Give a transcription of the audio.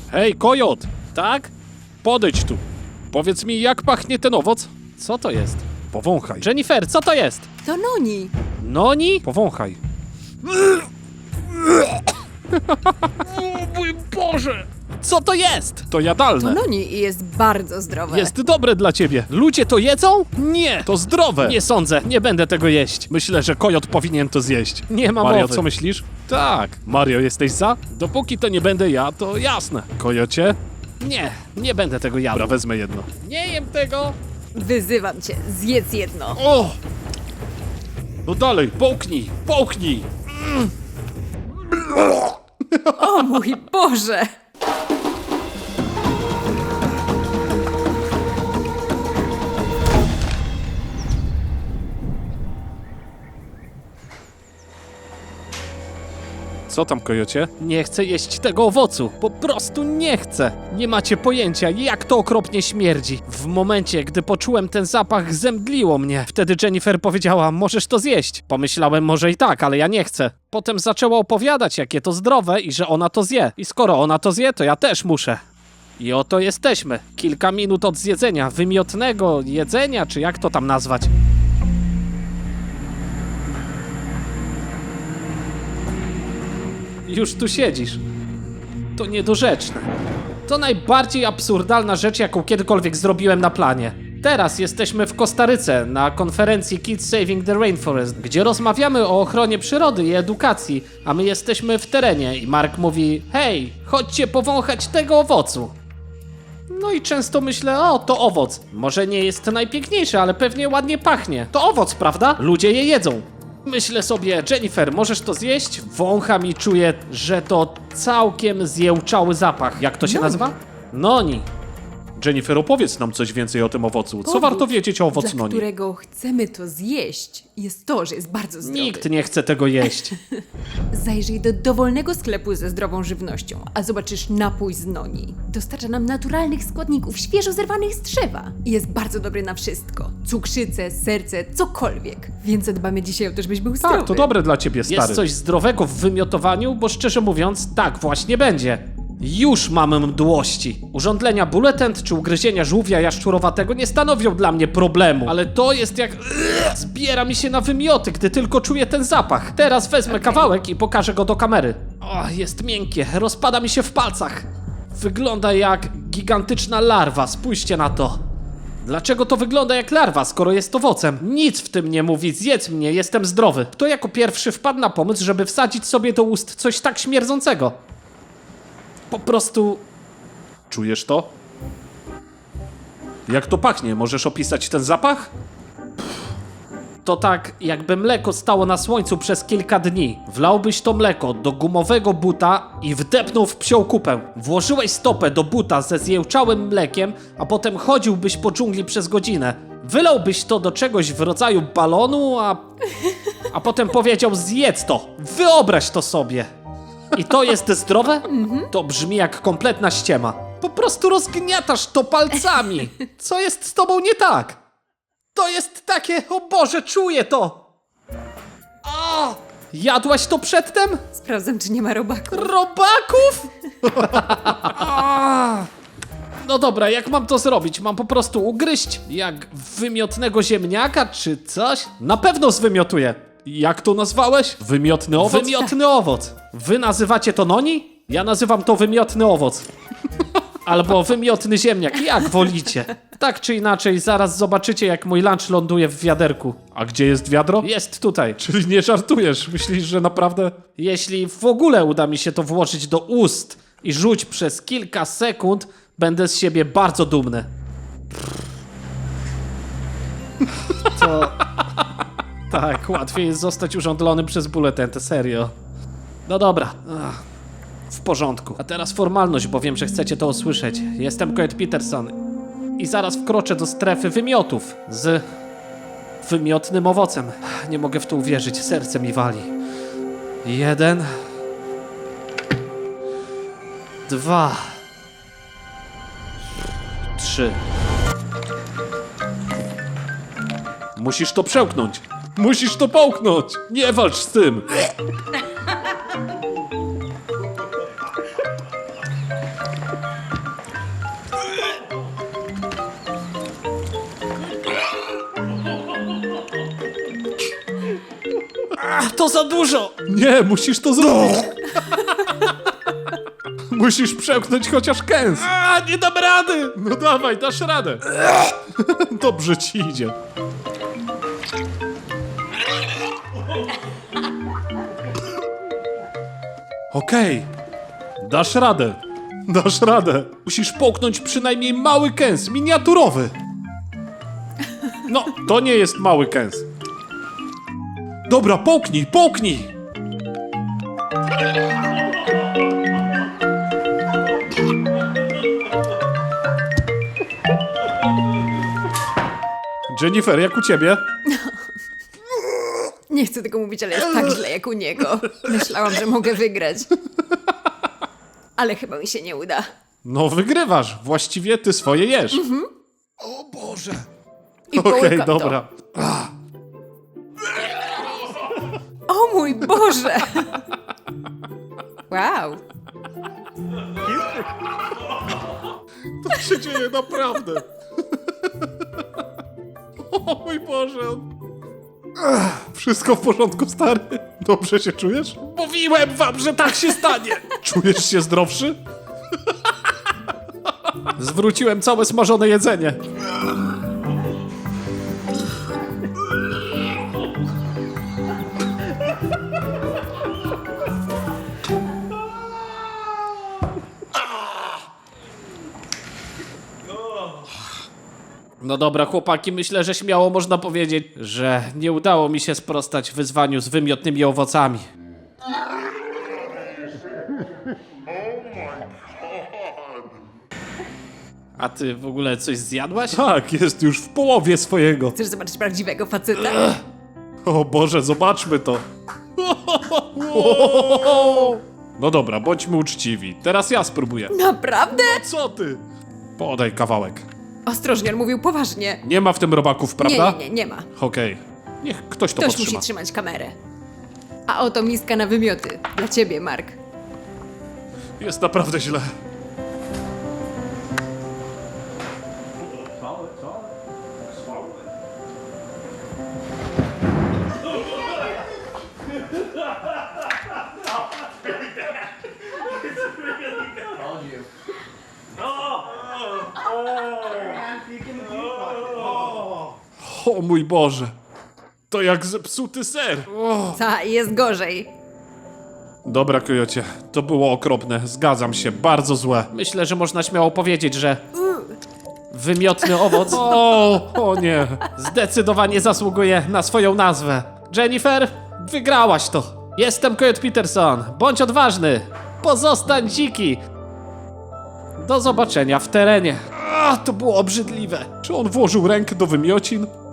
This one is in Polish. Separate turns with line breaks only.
Hej, kojot! Tak? Podejdź tu. Powiedz mi, jak pachnie ten owoc? Co to jest? Powąchaj. Jennifer, co to jest?
To Noni.
Noni? Powąchaj. O mój Boże! Co to jest? To
To
jadalne.
Noni i jest bardzo zdrowe.
Jest dobre dla ciebie. Ludzie to jedzą? Nie, to zdrowe. Nie sądzę, nie będę tego jeść. Myślę, że kojot powinien to zjeść. Nie ma Mario,
mowy.
co myślisz? Tak. Mario, jesteś za? Dopóki to nie będę ja, to jasne. Kojocie? Nie, nie będę tego jadł.
Dobra, wezmę jedno.
Nie jem tego.
Wyzywam cię, zjedz jedno.
O! No dalej, połknij, połknij.
O mój Boże!
Co tam, kojocie? Nie chcę jeść tego owocu. Po prostu nie chcę. Nie macie pojęcia, jak to okropnie śmierdzi. W momencie, gdy poczułem ten zapach, zemdliło mnie. Wtedy Jennifer powiedziała, możesz to zjeść. Pomyślałem, może i tak, ale ja nie chcę. Potem zaczęła opowiadać, jakie to zdrowe i że ona to zje. I skoro ona to zje, to ja też muszę. I oto jesteśmy. Kilka minut od zjedzenia, wymiotnego jedzenia, czy jak to tam nazwać. Już tu siedzisz. To niedorzeczne. To najbardziej absurdalna rzecz, jaką kiedykolwiek zrobiłem na planie. Teraz jesteśmy w Kostaryce na konferencji Kids Saving the Rainforest, gdzie rozmawiamy o ochronie przyrody i edukacji, a my jesteśmy w terenie i Mark mówi: hej, chodźcie powąchać tego owocu. No i często myślę, o, to owoc. Może nie jest najpiękniejszy, ale pewnie ładnie pachnie. To owoc, prawda? Ludzie je jedzą. Myślę sobie, Jennifer, możesz to zjeść? Wącham i czuję, że to całkiem zjełczały zapach. Jak to się nazywa? Noni.
Jennifer, opowiedz nam coś więcej o tym owocu. Co
Powód,
warto wiedzieć o owocu
dla
noni?
którego chcemy to zjeść, jest to, że jest bardzo zdrowy.
Nikt nie chce tego jeść.
Zajrzyj do dowolnego sklepu ze zdrową żywnością, a zobaczysz napój z Noni. Dostarcza nam naturalnych składników, świeżo zerwanych z drzewa. I jest bardzo dobry na wszystko. Cukrzycę, serce, cokolwiek. Więc zadbamy dzisiaj o to, żebyś był zdrowy.
Tak, to dobre dla ciebie, stary.
Jest coś zdrowego w wymiotowaniu, bo szczerze mówiąc, tak właśnie będzie. Już mam mdłości. Urządlenia Bulletent czy ugryzienia żółwia jaszczurowatego nie stanowią dla mnie problemu, ale to jest jak... Zbiera mi się na wymioty, gdy tylko czuję ten zapach. Teraz wezmę kawałek i pokażę go do kamery. O, jest miękkie, rozpada mi się w palcach. Wygląda jak gigantyczna larwa, spójrzcie na to. Dlaczego to wygląda jak larwa, skoro jest owocem? Nic w tym nie mówi, zjedz mnie, jestem zdrowy. Kto jako pierwszy wpadł na pomysł, żeby wsadzić sobie do ust coś tak śmierdzącego? Po prostu...
Czujesz to? Jak to pachnie? Możesz opisać ten zapach?
To tak, jakby mleko stało na słońcu przez kilka dni. Wlałbyś to mleko do gumowego buta i wdepnął w psią kupę. Włożyłeś stopę do buta ze zjełczałym mlekiem, a potem chodziłbyś po dżungli przez godzinę. Wylałbyś to do czegoś w rodzaju balonu, a potem powiedział: zjedz to, wyobraź to sobie. I to jest zdrowe? To brzmi jak kompletna ściema. Po prostu rozgniatasz to palcami. Co jest z tobą nie tak? To jest takie, o Boże, czuję to! O! Jadłaś to przedtem?
Sprawdzam, czy nie ma robaku.
Robaków? A! No dobra, jak mam to zrobić? Mam po prostu ugryźć jak wymiotnego ziemniaka czy coś? Na pewno zwymiotuję.
Jak to nazwałeś? Wymiotny owoc?
Wymiotny owoc. Wy nazywacie to noni? Ja nazywam to wymiotny owoc. Albo wymiotny ziemniak, jak wolicie. Tak czy inaczej, zaraz zobaczycie, jak mój lunch ląduje w wiaderku.
A gdzie jest wiadro?
Jest tutaj.
Czyli nie żartujesz? Myślisz, że naprawdę...
Jeśli w ogóle uda mi się to włożyć do ust i rzuć przez kilka sekund, będę z siebie bardzo dumny. To... Tak, łatwiej jest zostać urządlonym przez Bulletent, serio. No dobra. W porządku. A teraz formalność, bo wiem, że chcecie to usłyszeć. Jestem Coet Peterson i zaraz wkroczę do strefy wymiotów z wymiotnym owocem. Nie mogę w to uwierzyć, serce mi wali. 1, 2, 3.
Musisz to przełknąć. Musisz to połknąć. Nie walcz z tym.
to za dużo!
Nie, musisz to zrobić. Musisz przełknąć chociaż kęs.
A, nie dam rady!
No dawaj, dasz radę. Dobrze ci idzie. Okej. Dasz radę. Dasz radę. Musisz połknąć przynajmniej mały kęs, miniaturowy. No, to nie jest mały kęs. Dobra, połknij, połknij. Jennifer, jak u ciebie?
Nie chcę tego mówić, ale jest tak źle jak u niego. Myślałam, że mogę wygrać. Ale chyba mi się nie uda.
No wygrywasz, właściwie ty swoje jesz. O Boże.
I
Okej,
połykam to.
dobra.
O mój Boże! Wow.
To się dzieje naprawdę. O mój Boże. Wszystko w porządku, stary? Dobrze się czujesz?
Mówiłem wam, że tak się stanie!
Czujesz się zdrowszy?
Zwróciłem całe smażone jedzenie. No dobra, chłopaki, myślę, że śmiało można powiedzieć, że nie udało mi się sprostać wyzwaniu z wymiotnymi owocami. A ty w ogóle coś zjadłaś?
Tak, jest już w połowie swojego.
Chcesz zobaczyć prawdziwego faceta?
O Boże, zobaczmy to. No dobra, bądźmy uczciwi. Teraz ja spróbuję.
Naprawdę?
Co ty? Podaj kawałek.
Ostrożnie, on mówił poważnie.
Nie ma w tym robaków, prawda?
Nie ma.
Okej. Niech ktoś to
Ktoś
podtrzyma.
musi trzymać kamerę. A oto miska na wymioty. Dla ciebie, Mark.
Jest naprawdę źle. O mój Boże. To jak zepsuty ser.
Ta, jest gorzej.
Dobra, Kojocie, to było okropne. Zgadzam się, bardzo złe.
Myślę, że można śmiało powiedzieć, że wymiotny owoc
O nie.
zdecydowanie zasługuje na swoją nazwę. Jennifer, wygrałaś to. Jestem Coyote Peterson. Bądź odważny. Pozostań dziki. Do zobaczenia w terenie. To było obrzydliwe.
Czy on włożył rękę do wymiocin?